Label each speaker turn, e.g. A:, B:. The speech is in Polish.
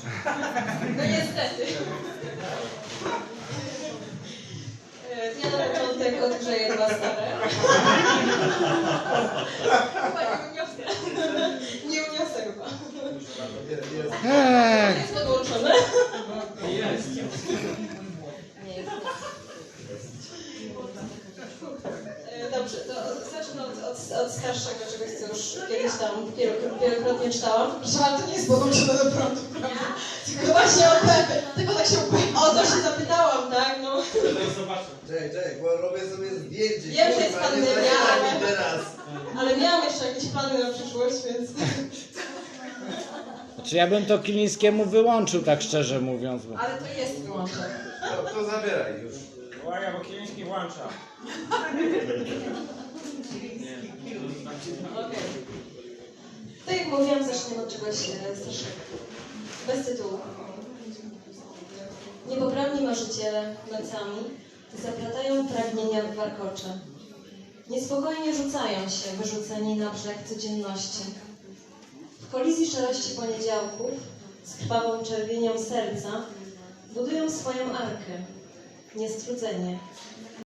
A: No niestety. Ja na początek odgrzeję dwa stare. Chyba nie uniosę. Nie uniosę chyba. Jest podłączone?
B: Jest.
A: Nie jest. Dobrze, to zacznę od starszego czegoś, co już kiedyś tam wielokrotnie czytałam. Proszę, ale to nie jest podłączone do prądu, prawda? Tylko właśnie tylko tak się o to się zapytałam, tak? No.
C: Czekaj, bo robię sobie zdjęcie.
A: Wiem, że jest pandemia,
C: teraz.
A: ale miałam jeszcze jakieś plany na przyszłość, więc...
D: Znaczy ja bym to Kilińskiemu wyłączył, tak szczerze mówiąc. Bo...
A: Ale to jest wyłączone.
C: No to zabieraj już.
B: Uwaga, bo Kiliński włącza.
A: Okej. Tak jak mówiłam, zaczniemy od czegoś starszego. Bez tytułu. Niepoprawni marzyciele nocami zaplatają pragnienia w warkocze. Niespokojnie rzucają się, wyrzuceni na brzeg codzienności. W kolizji szarości poniedziałków z krwawą czerwienią serca budują swoją arkę. Niestrudzenie.